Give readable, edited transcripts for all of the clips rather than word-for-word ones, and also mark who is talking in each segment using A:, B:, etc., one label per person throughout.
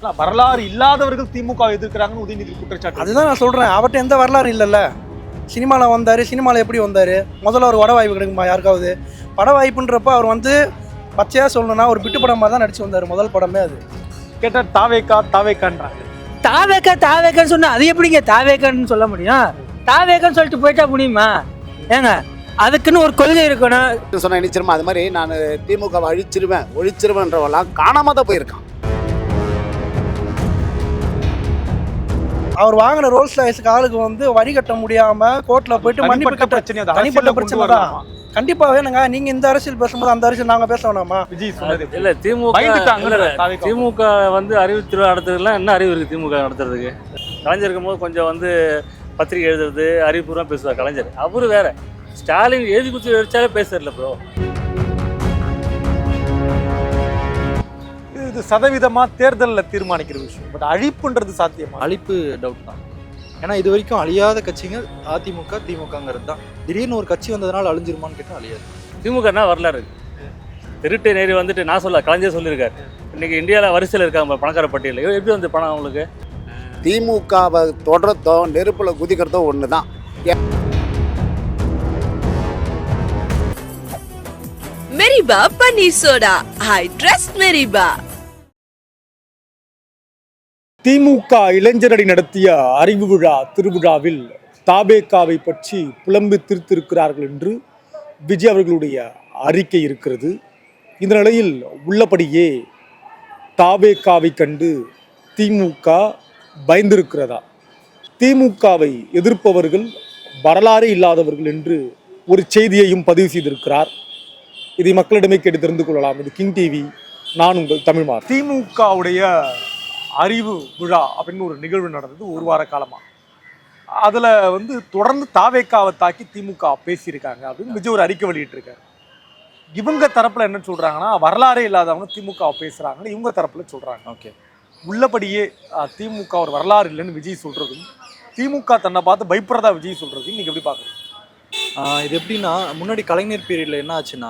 A: வரலாறு இல்லாதவர்கள் திமுக எதிர்க்கிறாங்கன்னு உதயநிதி குற்றச்சாட்டு.
B: அதுதான் நான் சொல்கிறேன், அவர்கிட்ட எந்த வரலாறு இல்லைல்ல. சினிமாவில் வந்தார், சினிமாவில் எப்படி வந்தார்? முதல்ல ஒரு வட வாய்ப்பு கிடைக்குமா யாருக்காவது? பட வாய்ப்புன்றப்ப அவர் பச்சையாக சொல்லணும்னா ஒரு பிட்டு படமாக தான் நடிச்சு வந்தார், முதல் படமே அது.
A: கேட்டால் தாவேக்கான்றாங்க.
C: தாவேக்கான்னு சொன்னா அது எப்படிங்க தாவேக்கான்னு சொல்ல முடியும்? தாவேக்கான்னு சொல்லிட்டு போயிட்டா முடியுமா? ஏங்க அதுக்குன்னு ஒரு கொள்கை இருக்கணும்.
D: சொன்ன நினைச்சிருமா அது மாதிரி நான் திமுகவை ஒழிச்சிருவேன்றவெல்லாம் காணாம தான் போயிருக்கான்.
B: அவர் வாங்கின ரோல்ஸ் ராய்ஸ்க்கு ஆளுக்கு வரி கட்ட முடியாம கோர்ட்ல போயிட்டு மன்னிப்பு கட்ட தனிப்பட்ட பிரச்சனை தான். கண்டிப்பா வேணுங்க. நீங்க இந்த அரசியல் பேசும்போது அந்த அரசியல் நாங்க பேச வேணாமா?
A: விஜய் சொன்னது
E: இல்ல திமுக அறிவு திருவிழா நடத்துறதுலாம் என்ன அறிவு இருக்கு திமுக நடத்துறதுக்கு? கலைஞர் இருக்கும்போது கொஞ்சம் பத்திரிகை எழுதுறது அறிவுபூர்வம் பேசுவார் கலைஞர். அவரு வேற. ஸ்டாலின் எழுதி குத்தி வச்சாலே பேசுறல ப்ரோ.
A: இது சதவீதமா தேர்தலில் தீர்மானிக்கிற விஷயம். பட் அழிப்புன்றது சாத்தியமா?
F: அழிப்பு டவுட் தான். ஏன்னா இது வரைக்கும் அழியாத கட்சிங்க அதிமுக திமுகங்கிறது தான். திடீர்னு ஒரு கட்சி வந்ததுனால அழிஞ்சிருமான்னு கேட்டால் அழியாது.
E: திமுகனா வரலாறு திருட்டு நேரி நான் சொல்ல கலைஞர் சொல்லியிருக்காரு. இன்னைக்கு இந்தியாவில் வரிசையில் இருக்காங்க பணக்கார பட்டியலில். எப்படி பணம் அவங்களுக்கு?
D: திமுகவை தொடரத்தோ நெருப்புல குதிக்கிறதோ ஒன்று தான்.
G: மெரிபா பன்னீர் சோடா. I trust மெரிபா.
A: திமுக இளைஞரணி நடத்திய அறிவு விழா திருவிழாவில் தாபேகாவை பற்றி புலம்பி திருத்திருக்கிறார்கள் என்று விஜய் அவர்களுடைய அறிக்கை இருக்கிறது. இந்த நிலையில் உள்ளபடியே தாபேகாவை கண்டு திமுக பயந்திருக்கிறதா? திமுகவை எதிர்ப்பவர்கள் வரலாறே இல்லாதவர்கள் என்று ஒரு செய்தியையும் பதிவு செய்திருக்கிறார். இதை மக்களிடமே கேட்டு தெரிந்து கொள்ளலாம். இது கிங் டிவி, நான் உங்கள் தமிழ்மார். திமுகவுடைய அறிவு விழா அப்படின்னு ஒரு நிகழ்வு நடந்தது ஒரு வார காலமா. அதுல தொடர்ந்து தாவேக்காவை தாக்கி திமுக பேசியிருக்காங்க அப்படின்னு விஜய் ஒரு அறிக்கை வெளியிட்டு இருக்காரு. இவங்க தரப்புல என்ன சொல்றாங்கன்னா, வரலாறே இல்லாதவங்க திமுக பேசுறாங்கன்னு இவங்க தரப்புல சொல்றாங்க. ஓகே, உள்ளபடியே திமுக ஒரு வரலாறு இல்லைன்னு விஜய் சொல்றதும், திமுக தன்னை பார்த்து பயப்படுறதா விஜய் சொல்றதையும் நீங்க எப்படி பாக்குறீங்க?
F: இது எப்படின்னா, முன்னாடி கலைஞர் பீரியட்ல என்ன ஆச்சுன்னா,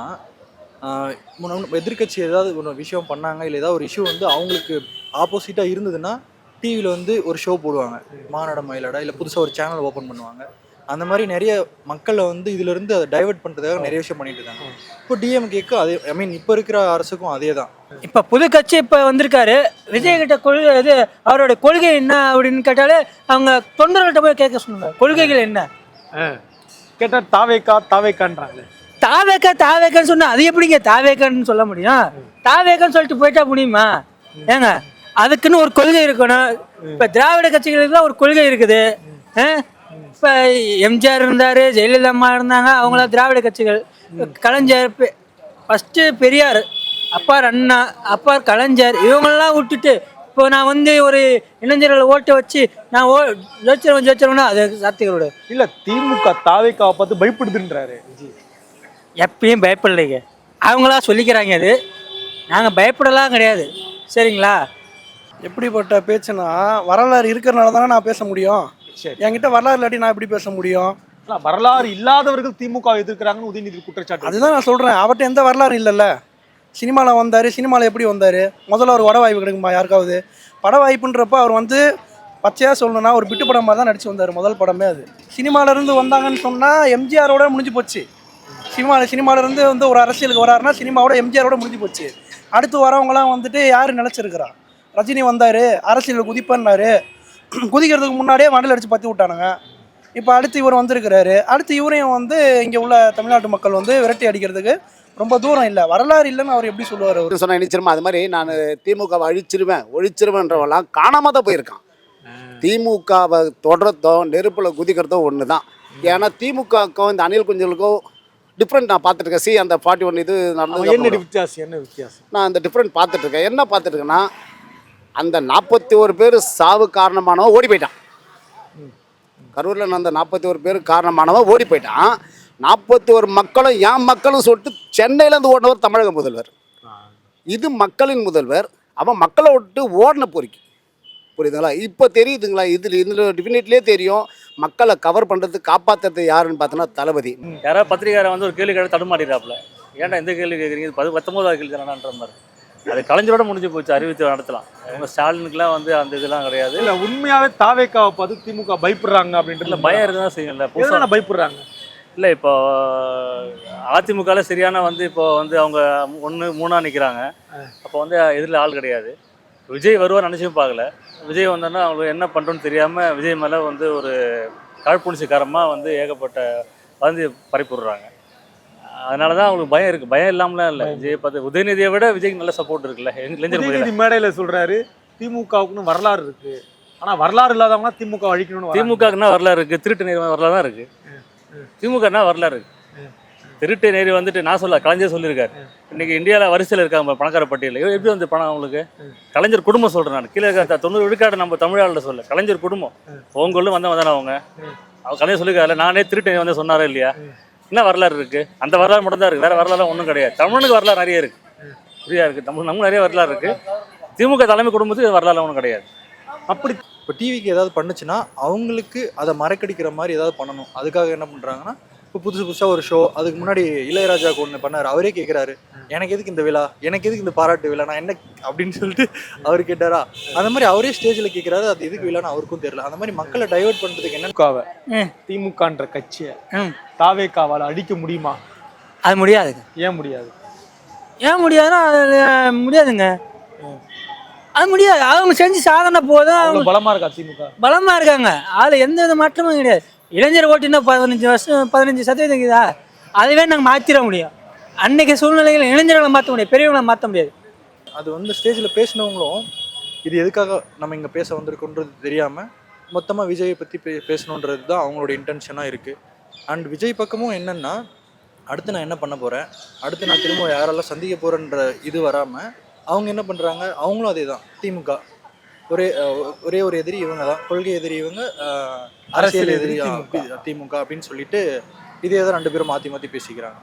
F: எதிர்கட்சி ஏதாவது ஒரு விஷயம் பண்ணாங்க, இல்லை ஏதாவது ஒரு இஷ்யூ அவங்களுக்கு ஆப்போசிட்டாக இருந்ததுன்னா டிவியில் ஒரு ஷோ போடுவாங்க, மாநாட மயிலாடா, இல்லை புதுசாக ஒரு சேனல் ஓப்பன் பண்ணுவாங்க. அந்த மாதிரி நிறைய மக்களை இதிலிருந்து அதை டைவெர்ட் பண்ணுறதுக்காக நிறைய விஷயம் பண்ணிட்டு இருக்காங்க. இப்போ டிஎம்கேக்கு அதே, ஐ மீன் இப்போ இருக்கிற அரசுக்கும் அதே தான்.
C: இப்போ புது கட்சி இப்போ வந்திருக்காரு. விஜய் கிட்ட கொள்கை இது, அவரோட கொள்கை என்ன அப்படின்னு கேட்டாலே அவங்க தொண்டர்கள்ட்ட போய் கேட்க சொன்னாங்க, கொள்கைகள் என்ன
A: கேட்டால் தாவேக்கான்றாங்க.
C: தாவேக்கான்னு சொன்னா அது எப்படிங்க தாவேக்கான்னு சொல்ல முடியும்? தாவேக்கான்னு சொல்லிட்டு போயிட்டா முடியுமா? ஏங்க அதுக்குன்னு ஒரு கொள்கை இருக்கணும். இப்ப திராவிட கட்சிகளுக்குலாம் ஒரு கொள்கை இருக்குது. இப்ப எம்ஜிஆர் இருந்தாரு, ஜெயலலிதா அம்மா இருந்தாங்க, அவங்களாம் திராவிட கட்சிகள். கலைஞர் ஃபர்ஸ்ட் பெரியார், அப்பார் அண்ணா, அப்பார் கலைஞர், இவங்களெல்லாம் விட்டுட்டு இப்போ நான் ஒரு இளைஞர்களை ஓட்ட வச்சு நான் ஜெயிச்சிருவேன்னா அது சாத்திகளோட
A: இல்ல. திமுக தாவேக்காவை பார்த்து பயப்படுதுன்றாரு விஜய்.
C: எப்பயும் பயப்படலைங்க, அவங்களா சொல்லிக்கிறாங்க. அது நாங்கள் பயப்படலாம் கிடையாது, சரிங்களா?
B: எப்படிப்பட்ட பேச்சுன்னா, வரலாறு இருக்கிறனால தானே நான் பேச முடியும். என்கிட்ட வரலாறு இல்லாட்டி நான் எப்படி பேச முடியும்?
A: வரலாறு இல்லாதவர்கள் திமுக எதிர்க்கிறாங்கன்னு உதயநிதி குற்றச்சாட்டு.
B: அதுதான் நான் சொல்கிறேன், அவர்கிட்ட எந்த வரலாறு இல்லைல்ல. சினிமாவில் வந்தார், சினிமாவில் எப்படி வந்தார்? முதல்ல ஒரு வட வாய்ப்பு கிடைக்குமா யாருக்காவது? பட வாய்ப்புன்றப்ப அவர் பச்சையாக சொல்லணும்னா ஒரு பிட்டு படமாக தான் நடிச்சு வந்தார், முதல் படமே அது. சினிமாவிலேருந்து வந்தாங்கன்னு சொன்னால் எம்ஜிஆரோட முடிஞ்சு போச்சு. சினிமாவிலேருந்து ஒரு அரசியலுக்கு வராருன்னா சினிமாவோட எம்ஜிஆரோட முடிஞ்சு போச்சு. அடுத்து வரவங்களாம் யார் நினச்சிருக்கிறா? ரஜினி வந்தார், அரசியலில் குதிப்பன்னாரு, குதிக்கிறதுக்கு முன்னாடியே மண்டல் அடித்து பற்றி விட்டானுங்க. இப்போ அடுத்து இவர் வந்திருக்கிறாரு. அடுத்து இவரையும் இங்கே உள்ள தமிழ்நாட்டு மக்கள் விரட்டி அடிக்கிறதுக்கு ரொம்ப தூரம் இல்லை. வரலாறு இல்லைன்னு அவர் எப்படி சொல்லுவார்? அவர்
D: சொன்ன நினைச்சிருமா அது மாதிரி நான் திமுகவை ஒழிச்சிருவேன்றவெல்லாம் காணாம தான் போயிருக்கான். திமுகவை தொடரத்தோ நெருப்புல குதிக்கிறதோ ஒன்று தான். ஏன்னா திமுகவுக்கும் இந்த அணில் குஞ்சுகளுக்கும் டிஃப்ரெண்ட் நான் பார்த்துட்ருக்கேன். அந்த 41 இது நடந்தது.
A: என்ன வித்தியாசம்?
D: நான் அந்த டிஃப்ரெண்ட் பார்த்துட்ருக்கேன். என்ன பார்த்துட்ருக்கேன்னா, அந்த 41 பேர் சாவு காரணமானவன் ஓடி போயிட்டான். கரூரில் நடந்த 41 பேர் காரணமானவன் ஓடி போயிட்டான். 41 மக்களும் என் மக்களும் சொல்லிட்டு சென்னையிலேருந்து ஓடினவர் தமிழக முதல்வர். இது மக்களின் முதல்வர். அவன் மக்களை விட்டு ஓடின பொறுக்கி. புரியுதுங்களா? இப்போ தெரியுதுங்களா? இதில் டிஃபினெட்லேயே தெரியும். மக்களை கவர் பண்ணுறது, காப்பாற்றுறது யாருன்னு பார்த்தோன்னா தளபதி.
E: யாராவது பத்திரிகாரை ஒரு கேள்வி கேட்டு தடுமாறிடுறாப்புல, ஏன்டா இந்த கேள்வி கேட்குறீங்க, 19வது கேள்வி தானான்ற மாதிரி. அது கலைஞரோட முடிஞ்சு போச்சு. அறிவித்து நடத்தலாம். அவங்க ஸ்டாலினுக்குலாம் வந்து அந்த இதெல்லாம் கிடையாது.
A: இல்ல உண்மையாவே தாவேக்காவை பார்த்து திமுக பயப்படுறாங்க அப்படின்றது
E: இல்லை, பயம் இருக்க தான் செய்யும்ல.
A: எதனால பயப்படுறாங்க?
E: இல்லை, இப்போ அதிமுகவில் சரியான வந்து இப்போ வந்து அவங்க 1-3 நிற்கிறாங்க. அப்போ வந்து எதிரில் ஆள் கிடையாது. விஜய் வருவார் நினச்சும் பார்க்கல. விஜய் வந்தோன்னா அவங்களுக்கு என்ன பண்ணுறோன்னு தெரியாமல் விஜய் மேலே வந்து ஒரு காழ்ப்புணர்ச்சிக்காரமாக வந்து ஏகப்பட்ட வந்து பறிப்புடுறாங்க. அதனால தான் அவங்களுக்கு பயம் இருக்குது. பயம் இல்லாமலாம் இல்லை. விஜய் பார்த்து உதயநிதியை விட விஜய்க்கு நல்ல சப்போர்ட் இருக்குல்ல. இளைஞர்
A: உதயநிதி மேடையில சொல்றாரு திமுகவுக்குன்னு வரலாறு இருக்கு, ஆனா வரலாறு இல்லாதவங்க திமுக அழிக்கணும்னு.
E: திமுகன்னா வரலாறு இருக்குது, திருட்டு நேரி வரலாறு தான் இருக்குது. திமுகன்னா வரலாறு இருக்குது. திருட்டு நேரி வந்துட்டு நான் சொல்ல கலைஞர் சொல்லியிருக்காரு. இன்னைக்கு இந்தியாவில் வரிசையில் இருக்காங்க பணக்கார பட்டியலில். எப்படி வந்து பணம் அவங்களுக்கு? கலைஞர் குடும்பம் சொல்கிறேன் நான். கீழே 90 விழுக்காடு நம்ம தமிழ்நாட்டில் சொல்ல கலைஞர் குடும்பம் உங்களும் வந்தவங்க தானே அவங்க. கலைஞர் சொல்லியிருக்காரு. நானே திருட்டு நேரி வந்து சொன்னாரே இல்லையா? என்ன வரலாறு இருக்குது? அந்த வரலாறு மட்டும் தான் இருக்குது. வேறு வரலாறு ஒன்றும் கிடையாது. தமிழனுக்கு வரலாறு நிறைய இருக்குது, ஃப்ரீயாக இருக்குது. நமக்கு நிறைய வரலாறு இருக்குது. திமுக தலைமை குடும்பத்துக்கு வரலாறு ஒன்றும் கிடையாது.
A: அப்படி
F: இப்போ டிவிக்கு ஏதாவது பண்ணுச்சுன்னா அவங்களுக்கு அதை மறக்கடிக்கிற மாதிரி ஏதாவது பண்ணணும். அதுக்காக என்ன பண்ணுறாங்கன்னா, இப்போ புதுசாக ஒரு ஷோ, அதுக்கு முன்னாடி இளையராஜாவுக்கு ஒன்று பண்ணார். அவரே கேட்குறாரு, எனக்கு எதுக்கு இந்த விழா, எனக்கு எதுக்கு இந்த பாராட்டு விழா, நான் என்ன அப்படின்னு சொல்லிட்டு அவர் கேட்டாரா. அந்த மாதிரி அவரே ஸ்டேஜில் கேட்குறாரு, அது எதுக்கு விழான்னு அவருக்கும் தெரியல. அந்த மாதிரி மக்களை டைவர்ட் பண்ணுறதுக்கு என்ன
A: திமுகன்ற கட்சியை தாவேக்காவால் அடிக்க முடியுமா?
C: அது முடியாதுங்க.
A: ஏன் முடியாது?
C: ஏன் முடியாதுன்னா அது முடியாதுங்க. அது முடியாது. அவங்க செஞ்சு சாதனை போதும். அவங்க
A: பலமா இருக்கா திமுக?
C: பலமா இருக்காங்க. அதில் எந்த வித மாற்றமும் கிடையாது. இளைஞர் ஓட்டுன்னா 15% இருக்குதா? அதுவே நாங்கள் மாற்றிட முடியும். அன்னைக்கு சூழ்நிலைகள் இளைஞர்களை மாற்ற முடியாது, பெரியவங்களை மாற்ற முடியாது.
F: அது வந்து ஸ்டேஜில் பேசினவங்களும் இது எதுக்காக நம்ம இங்கே பேச வந்திருக்கோன்றது தெரியாமல் மொத்தமாக விஜயை பற்றி பேசணுன்றது தான் அவங்களோட இன்டென்ஷனாக இருக்குது. அண்ட் விஜய் பக்கமும் என்னென்னா, அடுத்து நான் என்ன பண்ண போகிறேன், அடுத்து நான் திரும்ப யாரெல்லாம் சந்திக்க போகிறேன்ற இது வராமல் அவங்க என்ன பண்ணுறாங்க, அவங்களும் அதே தான். திமுக ஒரே ஒரு எதிரி இவங்க தான், கொள்கை எதிரி இவங்க, அரசியல் எதிரி திமுக அப்படின்னு சொல்லிட்டு இதே தான் 2 பேரும் மாற்றி மாற்றி பேசிக்கிறாங்க.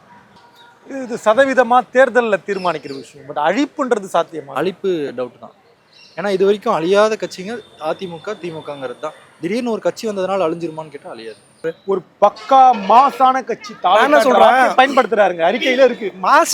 A: இது சதவீதமா தேர்தலில் தீர்மானிக்கிற விஷயம். பட் அழிப்புன்றது சாத்தியமா?
F: அழிப்பு டவுட் தான். ஏன்னா இது வரைக்கும் அழியாத கட்சிங்க அதிமுக திமுகங்கிறது தான். திடீர்னு ஒரு கட்சி வந்ததுனால அழிஞ்சிருமான்னு கேட்டால் அழியாது.
A: ஒரு பக்கா மாசான கட்சி
B: சொல்றேன்
A: பயன்படுத்துறாருங்க. அறிக்கையில இருக்கு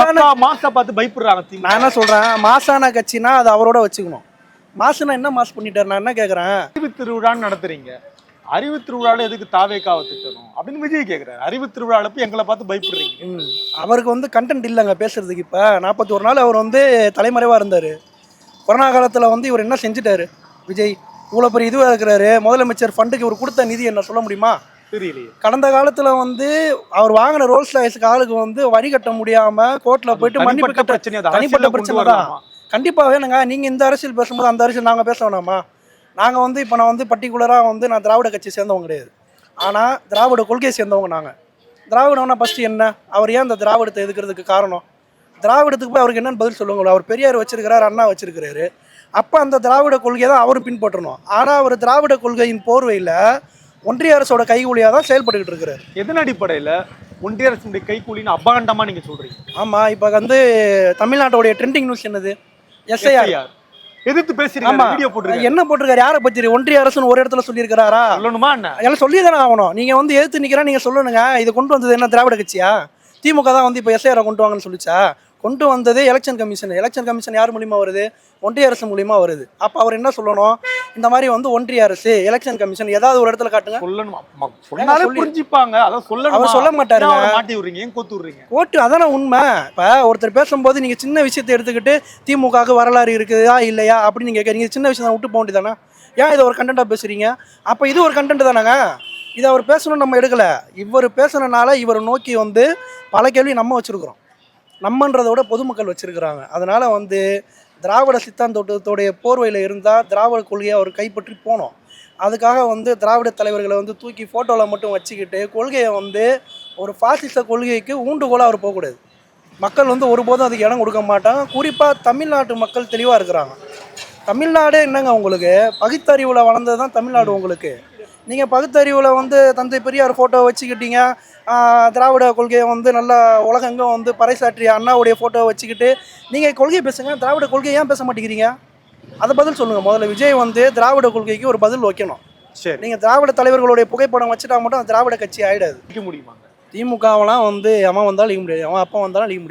A: மாசா பார்த்து பயப்படுறாங்க.
B: நான் என்ன சொல்றேன், மாசான கட்சினா அது அவரோட வச்சுக்கணும். மாசுனா என்ன மாசு பண்ணிட்டாரு? நான் என்ன கேட்கறேன்,
A: அறிவு திருவிழான்னு நடத்துறீங்க, அறிவு திருவிழாவில் எதுக்கு தாவேக்காவை திட்டணும் அப்படின்னு விஜய் கேட்குறாரு. அறிவு திருவிழாவில் போய் எங்களை பார்த்து பயப்படுறீங்க.
B: அவருக்கு வந்து கண்டென்ட் இல்லைங்க பேசுறதுக்கு. இப்போ 41 நாள் அவர் வந்து தலைமறைவாக இருந்தார். கொரோனா காலத்தில் வந்து இவர் என்ன செஞ்சுட்டாரு? விஜய் இவ்வளோ பெரிய இதுவாக இருக்கிறாரு. முதலமைச்சர் ஃபண்டுக்கு இவர் கொடுத்த நிதி என்ன சொல்ல முடியுமா?
A: தெரியலையே.
B: கடந்த காலத்தில் வந்து அவர் வாங்கின ரோல்ஸ் ராய்ஸ்க்கு ஆளுக்கு வந்து வரி கட்ட முடியாமல் கோர்ட்டில் போயிட்டு மன்னிப்பு கட்ட தனிப்பட்ட பிரச்சனை தான். கண்டிப்பாக வேணுங்க. நீங்கள் இந்த அரசியல் பேசும்போது அந்த அரசியல் நாங்கள் பேச வேணாமா? நாங்கள் வந்து இப்போ நான் வந்து பர்டிகுலராக வந்து நான் திராவிட கட்சி சேர்ந்தவங்க கிடையாது. ஆனால் திராவிட கொள்கையை சேர்ந்தவங்க நாங்கள். திராவிடம்னா ஃபஸ்ட்டு என்ன, அவர் ஏன் இந்த திராவிடத்தை எதுக்கிறதுக்கு காரணம், திராவிடத்துக்கு போய் அவருக்கு என்னென்னு பதில் சொல்லுவாங்களோ. அவர் பெரியார் வச்சிருக்கிறாரு, அண்ணா வச்சிருக்கிறாரு. அப்போ அந்த திராவிட கொள்கையை தான் அவரும் பின்பற்றணும். ஆனால் அவர் திராவிட கொள்கையின் போர்வையில் ஒன்றிய அரசோட கைகூலியாக தான் செயல்பட்டுக்கிட்டு இருக்கிறார்.
A: எதன் அடிப்படையில் ஒன்றிய அரசுடைய கைகூலின்னு அபாண்டமாக நீங்கள் சொல்கிறீங்க?
B: ஆமாம், இப்போ வந்து தமிழ்நாட்டோடைய ட்ரெண்டிங் நியூஸ் என்னது? எஸ்ஐஆர்
A: எதிர்த்து பேசுறீங்க. வீடியோ போட்டுருக்காரு.
B: என்ன போட்டிருக்காரு? யாரை பத்தி? ஒன்றிய அரசுன்னு ஒரு இடத்துல சொல்லியிருக்கிறாரா?
A: சொல்லணுமா என்ன?
B: எல்லாம் சொல்லி தானே ஆகணும். நீங்க வந்து எதிர்த்து நிக்கிறா, நீங்க சொல்லணுங்க. இது கொண்டு வந்தது என்ன திராவிட கட்சியா? திமுக தான் வந்து இப்போ எஸ்ஐஆரை கொண்டு வாங்கன்னு சொல்லிச்சா? கொண்டு வந்தது எலெக்ஷன் கமிஷன். எலெக்ஷன் கமிஷன் யார் மூலியமா வருது? ஒன்றிய அரசு மூலியமா வருது. அப்போ அவர் என்ன சொல்லணும்? இந்த மாதிரி வந்து ஒன்றிய அரசு எலெக்ஷன் கமிஷன் ஏதாவது ஒரு இடத்துல காட்டுங்க.
A: புரிஞ்சுப்பாங்க.
B: அவர் சொல்ல மாட்டாரு.
A: மாட்டி விடுறீங்க, ஏன் கோத்து விடுறீங்க?
B: கோட்டு அதான உண்மை. இப்போ ஒருத்தர் பேசும்போது நீங்க சின்ன விஷயத்தை எடுத்துக்கிட்டு திமுகவுக்கு வரலாறு இருக்குதா இல்லையா அப்படின்னு நீங்க கேட்குறீங்க. சின்ன விஷயம் விட்டு போக வேண்டியதானே? ஏன் இதை ஒரு கண்டென்ட்டாக பேசுறீங்க? அப்போ இது ஒரு கண்டென்ட் தானேங்க. இதை அவர் பேசணும்னு நம்ம எடுக்கலை. இவர் பேசுனனால இவரை நோக்கி வந்து பல கேள்வி நம்ம வச்சுருக்குறோம். நம்மன்றதை விட பொதுமக்கள் வச்சுருக்கிறாங்க. அதனால் வந்து திராவிட சித்தாந்தோட்டத்தோடைய போர்வையில் இருந்தால் திராவிட கொள்கையை அவர் கைப்பற்றி போனோம். அதுக்காக வந்து திராவிட தலைவர்களை வந்து தூக்கி ஃபோட்டோவில் மட்டும் வச்சுக்கிட்டு கொள்கையை வந்து ஒரு பாசிச கொள்கைக்கு ஊண்டுகோலாக அவர் போகக்கூடாது. மக்கள் வந்து ஒருபோதும் அதுக்கு இடம் கொடுக்க மாட்டாங்க. குறிப்பாக தமிழ்நாட்டு மக்கள் தெளிவாக இருக்கிறாங்க. தமிழ்நாடே என்னங்க உங்களுக்கு பகுத்தறிவில் வளர்ந்தது தான் தமிழ்நாடு. உங்களுக்கு நீங்கள் பகுத்தறிவில் வந்து தந்தை பெரியார் ஃபோட்டோ வச்சுக்கிட்டீங்க, திராவிட கொள்கையை வந்து நல்லா உலகெங்கும் வந்து பறைசாற்றிய அண்ணாவுடைய ஃபோட்டோவை வச்சுக்கிட்டு நீங்கள் கொள்கையை பேசுங்க. திராவிட கொள்கையை ஏன் பேச மாட்டேங்கிறீங்க? அதை பதில் சொல்லுங்கள். முதல்ல விஜய் வந்து திராவிட கொள்கைக்கு ஒரு பதில் வைக்கணும். சரி, நீங்கள் திராவிட தலைவர்களுடைய புகைப்படம் வச்சுட்டா மட்டும் திராவிட கட்சி ஆகிடாது.
A: அழிக்க முடியுமா?
B: திமுகவெல்லாம் வந்து அவன் வந்தாலும் அழிக்க முடியாது, அவன் அப்பா வந்தாலும் அழிக்க முடியாது.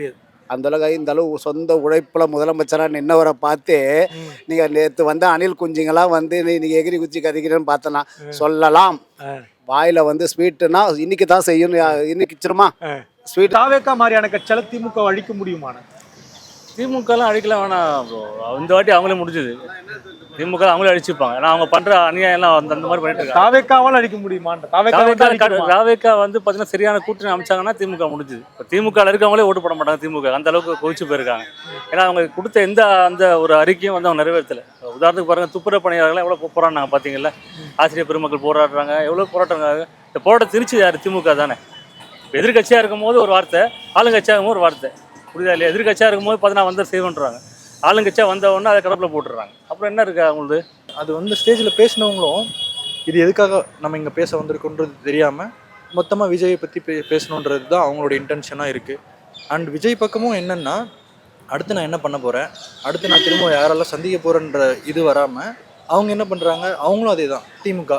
D: அந்த அளவுக்கு இந்த அளவு சொந்த உழைப்பில் முதலமைச்சராக நின்னவரை பார்த்து நீங்கள் நேற்று வந்து அணில் குஞ்சுங்களாம் வந்து நீங்கள் எகிரி குச்சி கதிக்கிறேன்னு பார்த்தனா சொல்லலாம். வாயில் வந்து ஸ்வீட்டுனா இன்னைக்கு தான் செய்யணும், இன்னைக்கு வச்சிருமா ஸ்வீட்.
A: தாவேக்கா மாதிரியான கட்சியால திமுக அழிக்க முடியுமான?
E: திமுகலாம் அழிக்கலாம் வேணாம் ப்ரோ. இந்த வாட்டி அவங்களே முடிஞ்சது. திமுக அவங்களே அழிச்சுப்பாங்க. ஏன்னா அவங்க பண்ற அநியாயம் அந்த மாதிரி பண்ணிட்டு இருக்காங்க.
A: தாவேக்காவால் அழிக்க முடியுமான்ற?
E: தாவேக்கா வந்து பார்த்தீங்கன்னா சரியான கூட்டணி அமைச்சாங்கன்னா திமுக முடிஞ்சுது. இப்போ திமுக இருக்கவங்களே ஓட்டு போட மாட்டாங்க. திமுக அந்த அளவுக்கு கொதிச்சு போயிருக்காங்க. ஏன்னா அவங்க கொடுத்த அந்த ஒரு அறிக்கையும் வந்து அவங்க நிறைவேற்றலை. உதாரணத்துக்கு பாருங்க, துப்புரவு பணியாளர்கள் எவ்வளோ போராடினாங்க பார்த்தீங்கல்ல. ஆசிரியர் பெருமக்கள் போராடுறாங்க, எவ்வளோ போராட்டங்க. இந்த போராட்டம் திருச்சி யார்? திமுக தானே. இப்போ எதிர்கட்சியாக இருக்கும்போது ஒரு வார்த்தை, ஆளுங்கட்சியாக இருக்கும்போது ஒரு வார்த்தை. புரியுதா இல்லையா? எதிர்கட்சியாக இருக்கும்போது பார்த்தீங்கன்னா வந்து செய்வன்றாங்க, ஆளுங்கட்சியாக வந்த உடனே அதை கடப்பில் போட்டுடுறாங்க. அப்புறம் என்ன இருக்கு அவங்களுக்கு?
F: அது வந்து ஸ்டேஜில் பேசினவங்களும் இது எதுக்காக நம்ம இங்கே பேச வந்திருக்கோன்றது தெரியாமல் மொத்தமாக விஜயை பற்றி பேசணுன்றது தான் அவங்களோட இன்டென்ஷனாக இருக்குது. அண்ட் விஜய் பக்கமும் என்னென்னா, அடுத்து நான் என்ன பண்ண போகிறேன், அடுத்து நான் திரும்ப யாரெல்லாம் சந்திக்க போகிறேன்ற இது வராமல் அவங்க என்ன பண்ணுறாங்க, அவங்களும் அதே தான். திமுக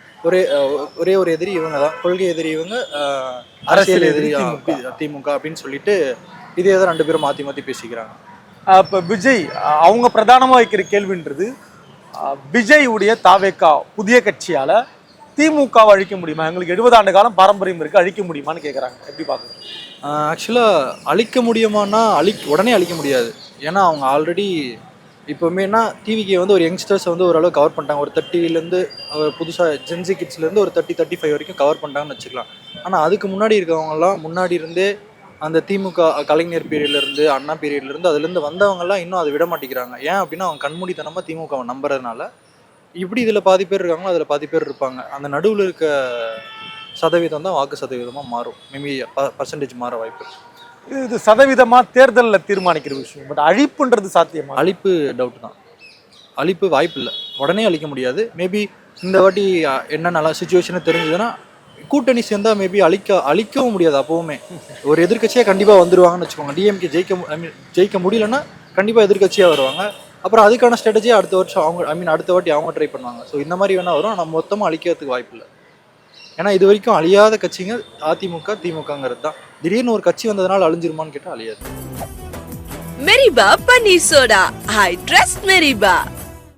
F: ஒரே ஒரு எதிரி இவங்க தான், கொள்கை எதிரி இவங்க, அரசியல் எதிரி திமுக அப்படின்னு சொல்லிட்டு இதே தான் ரெண்டு பேரும் மாற்றி மாற்றி பேசிக்கிறாங்க.
A: இப்போ விஜய் அவங்க பிரதானமாக வைக்கிற கேள்வின்றது, விஜய் உடைய தாவேக்கா புதிய கட்சியால் திமுகவை அழிக்க முடியுமா? எங்களுக்கு 70 ஆண்டு காலம் பாரம்பரியம் இருக்குது, அழிக்க முடியுமான்னு கேட்குறாங்க. எப்படி பார்க்குறோம்?
F: ஆக்சுவலாக அழிக்க முடியுமானா உடனே அழிக்க முடியாது. ஏன்னா அவங்க ஆல்ரெடி இப்போமேனா டிவிக்கு வந்து ஒரு யங்ஸ்டர்ஸை வந்து ஓரளவு கவர் பண்ணிட்டாங்க. ஒரு 30லேருந்து புதுசாக ஜென்சி கிட்ஸ்லேருந்து ஒரு 30-35 வரைக்கும் கவர் பண்ணிட்டாங்கன்னு வச்சுக்கலாம். ஆனால் அதுக்கு முன்னாடி இருக்கவங்கலாம் முன்னாடி இருந்தே அந்த திமுக கலைஞர் பீரியட்லேருந்து, அண்ணா பீரியட்லேருந்து அதுலேருந்து வந்தவங்கலாம் இன்னும் அதை விட மாட்டேங்கிறாங்க. ஏன் அப்படின்னா அவங்க கண்மூடித்தனமாக திமுகவை நம்புறதுனால. இப்படி இதில் பாதி பேர் இருக்காங்களோ அதில் பாதி பேர் இருப்பாங்க. அந்த நடுவில் இருக்க சதவீதம் தான் வாக்கு சதவீதமாக மாறும். மேபி பர்சன்டேஜ் மாற வாய்ப்பு.
A: இது சதவீதமாக தேர்தலில் தீர்மானிக்கிற விஷயம். பட் அழிப்புன்றது சாத்தியமா?
F: அழிப்பு டவுட் தான். அழிப்பு வாய்ப்பு இல்லை, உடனே அழிக்க முடியாது. மேபி இந்த வாட்டி என்ன நல்லா சுச்சுவேஷனை தெரிஞ்சதுன்னா கூட்டணி சேர்ந்தா மேபி அழிக்கவும் முடியாது. அப்போவுமே ஒரு எதிர்கட்சியாக கண்டிப்பாக வந்துடுவாங்கன்னு வச்சுக்கோங்க. டிஎம்கே ஜெயிக்க முடியலன்னா கண்டிப்பாக எதிர்கட்சியாக வருவாங்க. அப்புறம் அதுக்கான ஸ்ட்ராட்டஜியை அடுத்த வருஷம் அவங்க அடுத்த வாட்டி அவங்க ட்ரை பண்ணுவாங்க. ஸோ இந்த மாதிரி வேணால் வரும். ஆனால் மொத்தமாக அழிக்கிறதுக்கு வாய்ப்பு இல்லை. ஏன்னா இது வரைக்கும் அழியாத கட்சிங்க அதிமுக திமுகங்கிறது தான். திடீர்னு ஒரு கட்சி வந்ததுனால அழிஞ்சிருமான்னு கேட்டால் அழியாது.
G: மெரிபா பன்னீர் சோடா. I trust மெரிபா.